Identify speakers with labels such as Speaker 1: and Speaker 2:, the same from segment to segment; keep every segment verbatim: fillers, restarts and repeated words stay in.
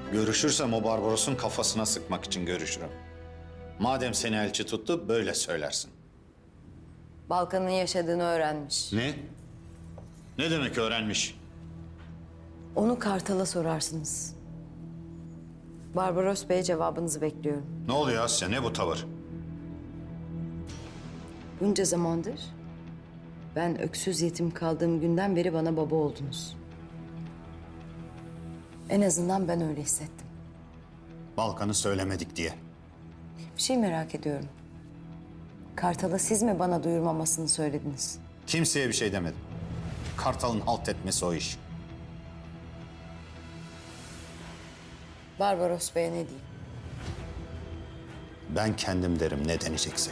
Speaker 1: Görüşürsem o Barbaros'un kafasına sıkmak için görüşürüm. Madem seni elçi tuttu, böyle söylersin.
Speaker 2: Balkan'ın yaşadığını öğrenmiş.
Speaker 1: Ne? Ne demek öğrenmiş?
Speaker 2: Onu Kartal'a sorarsınız. Barbaros Bey, cevabınızı bekliyorum.
Speaker 1: Ne oluyor Asya, ne bu tavır?
Speaker 2: Bunca zamandır ben öksüz yetim kaldığım günden beri bana baba oldunuz. En azından ben öyle hissettim.
Speaker 1: Balkan'ı söylemedik diye.
Speaker 2: Bir şey merak ediyorum. Kartal'a siz mi bana duyurmamasını söylediniz?
Speaker 1: Kimseye bir şey demedim. Kartal'ın halt etmesi o iş.
Speaker 2: Barbaros Bey'e ne diyeyim?
Speaker 1: Ben kendim derim ne deneyecekse.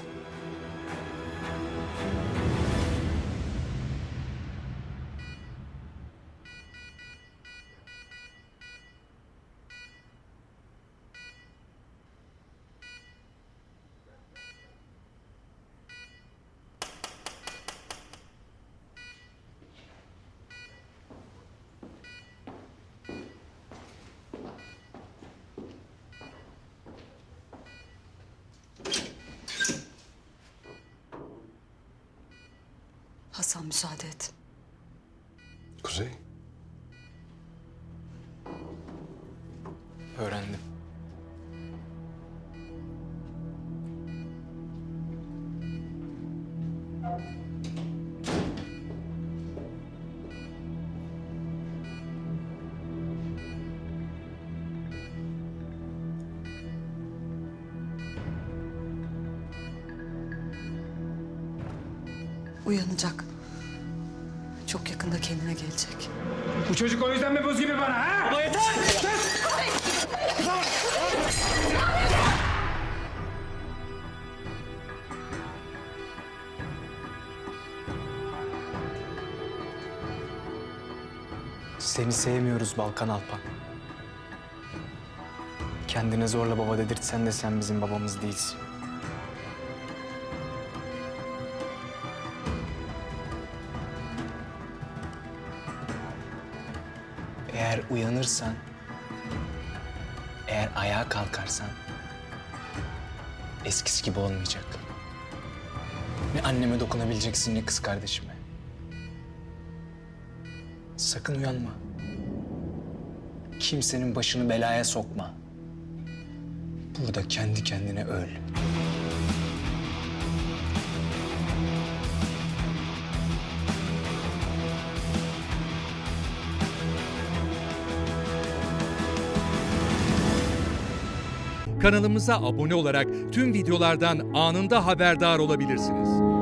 Speaker 3: Hasan, müsaade et.
Speaker 4: Kuzey.
Speaker 5: Öğrendim.
Speaker 3: Uyanacak. Çok yakında kendine gelecek.
Speaker 6: Bu çocuk o yüzden mi buz gibi bana ha? Baba yeter!
Speaker 5: Seni sevmiyoruz Balkan Alpan. Kendine zorla baba dedirtsen de sen bizim babamız değilsin. Eğer uyanırsan, eğer ayağa kalkarsan eskisi gibi olmayacak. Ne anneme dokunabileceksin ne kız kardeşime. Sakın uyanma. Kimsenin başını belaya sokma. Burada kendi kendine öl.
Speaker 7: Kanalımıza abone olarak tüm videolardan anında haberdar olabilirsiniz.